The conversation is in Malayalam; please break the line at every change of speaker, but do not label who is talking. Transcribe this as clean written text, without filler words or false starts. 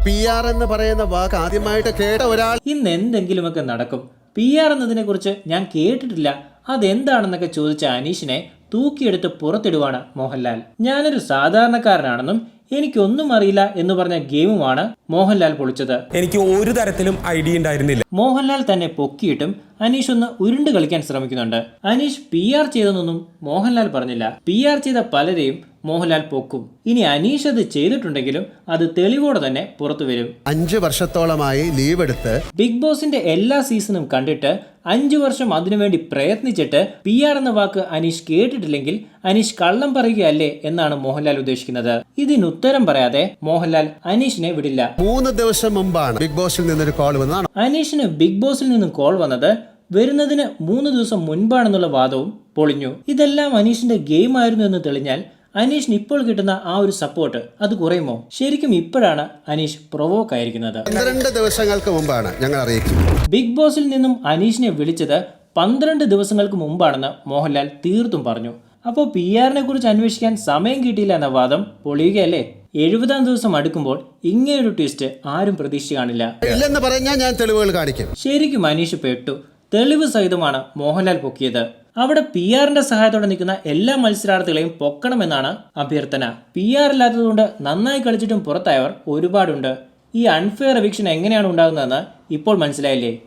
PR എന്ന് പറയുന്ന വാക്ക് ആദ്യമായിട്ട് കേട്ട ഒരാൾ
ഇന്ന് എന്തെങ്കിലുമൊക്കെ നടക്കും. PR എന്നതിനെ കുറിച്ച് ഞാൻ കേട്ടിട്ടില്ല, അതെന്താണെന്നൊക്കെ ചോദിച്ച അനീഷിനെ തൂക്കിയെടുത്ത് പുറത്തിടുവാണ് മോഹൻലാൽ. ഞാനൊരു സാധാരണക്കാരനാണെന്നും എനിക്കൊന്നും അറിയില്ല എന്ന് പറഞ്ഞ ഗെയിമുമാണ് മോഹൻലാൽ പൊളിച്ചത്.
എനിക്ക് ഒരു തരത്തിലും ഐഡിയ ഉണ്ടായിരുന്നില്ല.
മോഹൻലാൽ തന്നെ പൊക്കിയിട്ടും അനീഷ് ഒന്ന് ഉരുണ്ട് കളിക്കാൻ ശ്രമിക്കുന്നുണ്ട്. അനീഷ് PR ചെയ്തെന്നൊന്നും മോഹൻലാൽ പറഞ്ഞില്ല. PR ചെയ്ത പലരെയും മോഹൻലാൽ പൊക്കും. ഇനി അനീഷ് അത് ചെയ്തിട്ടുണ്ടെങ്കിലും അത് തെളിവോടെ തന്നെ പുറത്തു വരും.
5 വർഷത്തോളമായി ലീവ് എടുത്ത്
ബിഗ് ബോസിന്റെ എല്ലാ സീസണും കണ്ടിട്ട് 5 വർഷം അതിനുവേണ്ടി പ്രയത്നിച്ചിട്ട് PR എന്ന വാക്ക് അനീഷ് കേട്ടിട്ടില്ലെങ്കിൽ അനീഷ് കള്ളം പറയുകയല്ലേ എന്നാണ് മോഹൻലാൽ ഉദ്ദേശിക്കുന്നത്. ഇതിനുത്തരം പറയാതെ മോഹൻലാൽ അനീഷിനെ വിടില്ല.
3 ദിവസം മുമ്പാണ് ബിഗ് ബോസിൽ നിന്നൊരു കോൾ വന്നതാണ്.
അനീഷിന് ബിഗ് ബോസിൽ നിന്നും കോൾ വന്നത് വരുന്നതിന് 3 ദിവസം മുൻപാണെന്നുള്ള വാദവും പൊളിഞ്ഞു. ഇതെല്ലാം അനീഷിന്റെ ഗെയിം ആയിരുന്നു എന്ന് തെളിഞ്ഞാൽ അനീഷിന് ഇപ്പോൾ കിട്ടുന്ന ആ ഒരു സപ്പോർട്ട് അത് കുറയുമോ? ശരിക്കും ഇപ്പോഴാണ് അനീഷ് പ്രൊവോക്ക് ആയിരിക്കുന്നത്.
12 ദിവസങ്ങൾക്ക് മുമ്പാണ് ഞങ്ങൾ അറിയിക്കുന്നത്.
ബിഗ് ബോസിൽ നിന്നും അനീഷിനെ വിളിച്ചത് 12 ദിവസങ്ങൾക്ക് മുമ്പാണെന്ന് മോഹൻലാൽ തീർത്തും പറഞ്ഞു. അപ്പോൾ PR-നെ കുറിച്ച് അന്വേഷിക്കാൻ സമയം കിട്ടിയില്ല എന്ന വാദം പൊളിയുകയല്ലേ? 70-ാം ദിവസം അടുക്കുമ്പോൾ ഇങ്ങനെയൊരു ട്വിസ്റ്റ് ആരും പ്രതീക്ഷിച്ച് കാണില്ല.
ഇല്ലെന്ന് പറഞ്ഞാൽ ഞാൻ തെളിവുകൾ കാണിക്കും.
ശരിക്കും അനീഷ് പെട്ടു. തെളിവ് സഹിതമാണ് മോഹൻലാൽ പൊക്കിയത്. അവിടെ PR-ന്റെ സഹായത്തോടെ നിൽക്കുന്ന എല്ലാ മത്സരാർത്ഥികളെയും പൊക്കണമെന്നാണ് അഭ്യർത്ഥന. PR ഇല്ലാത്തതുകൊണ്ട് നന്നായി കളിച്ചിട്ടും പുറത്തായവർ ഒരുപാടുണ്ട്. ഈ അൺഫെയർ എവിക്ഷൻ എങ്ങനെയാണ് ഉണ്ടാകുന്നതെന്ന് ഇപ്പോൾ മനസ്സിലായില്ലേ?